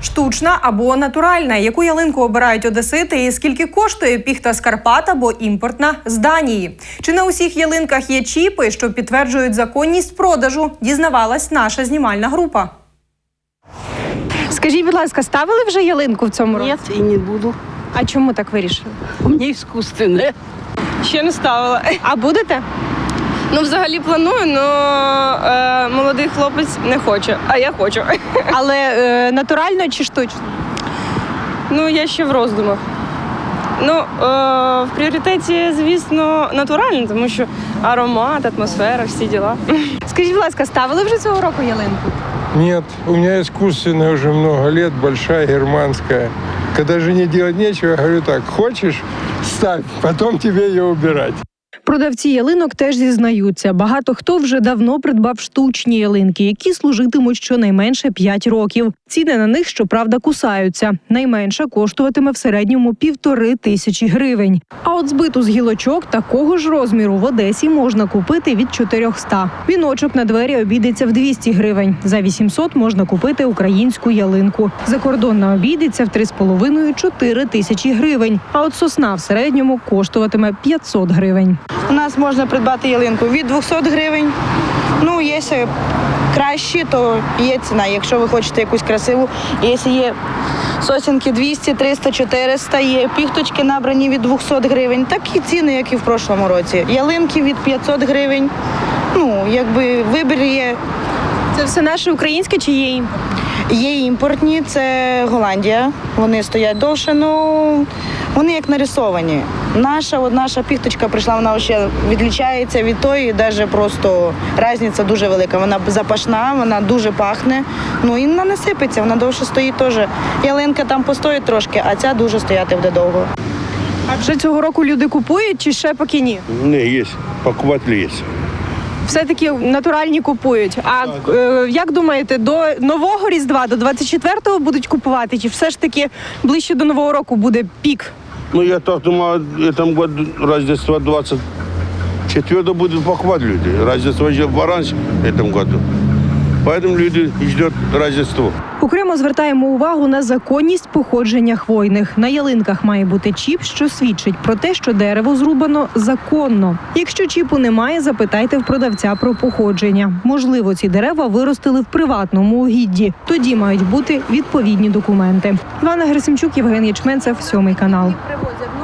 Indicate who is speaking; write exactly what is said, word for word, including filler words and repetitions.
Speaker 1: Штучна або натуральна? Яку ялинку обирають одесити і скільки коштує піхта з Карпат або імпортна з Данії? Чи на усіх ялинках є чіпи, що підтверджують законність продажу? Дізнавалась наша знімальна група.
Speaker 2: Скажіть, будь ласка, ставили вже ялинку в цьому році?
Speaker 3: Нет, и не буду.
Speaker 2: А чому так вирішили?
Speaker 3: У меня искусственное.
Speaker 4: Ще не ставила.
Speaker 2: А будете?
Speaker 4: Ну, взагалі планую, але е, молодий хлопець не хоче, а я хочу.
Speaker 2: Але е, натурально чи штучно?
Speaker 4: Ну, я ще в роздумах. Ну, е, в пріоритеті, звісно, натурально, тому що аромат, атмосфера, всі діла.
Speaker 2: Скажіть, будь ласка, ставили вже цього року ялинку?
Speaker 5: Нет, у меня искусственная уже много лет, большая, германская. Когда жене делать нечего, я говорю так, хочешь, ставь, потом тебе ее убирать.
Speaker 2: Продавці ялинок теж зізнаються. Багато хто вже давно придбав штучні ялинки, які служитимуть щонайменше п'ять років. Ціни на них, щоправда, кусаються. Найменша коштуватиме в середньому півтори тисячі гривень. А от збиту з гілочок такого ж розміру в Одесі можна купити від чотирьохсот. Віночок на двері обійдеться в двісті гривень. За вісімсот можна купити українську ялинку. Закордонна обійдеться в три з половиною - чотири тисячі гривень. А от сосна в середньому коштуватиме п'ятсот гривень.
Speaker 6: У нас можна придбати ялинку від двохсот гривень. Ну, якщо кращі, то є ціна. Якщо ви хочете якусь красиву, якщо є сосенки двісті, триста, чотириста, є піхточки набрані від двохсот гривень. Такі ціни, як і в прошлому році. Ялинки від п'ятсот гривень. Ну, якби вибір є.
Speaker 2: Це все наше українське чи є імпорт?
Speaker 6: Є імпортні, це Голландія. Вони стоять довше, ну вони як нарисовані. Наша, от наша піхточка прийшла, вона ще відлічається від тої, навіть просто різниця дуже велика. Вона запашна, вона дуже пахне, ну і вона не сипеться, вона довше стоїть теж. Ялинка там постоїть трошки, а ця дуже стояти буде довго.
Speaker 2: А вже цього року люди купують чи ще поки ні?
Speaker 7: Не, есть. Покупатели есть.
Speaker 2: Все-таки натуральні купують. А е, як думаєте, до нового Різдва, до двадцять четвертого будуть купувати? Чи все ж таки ближче до Нового року буде пік?
Speaker 7: Ну, я так думаю, в этом году Рождество двадцать четвёртого будут покупать люди. Рождество еще пораньше в этом году. Поэтому люди ждут Рождество.
Speaker 2: Окремо звертаємо увагу на законність походження хвойних. На ялинках має бути чіп, що свідчить про те, що дерево зрубано законно. Якщо чіпу немає, запитайте в продавця про походження. Можливо, ці дерева виростили в приватному угідді. Тоді мають бути відповідні документи. Івана Герасимчук, Євген Ячменцев, сьомий канал.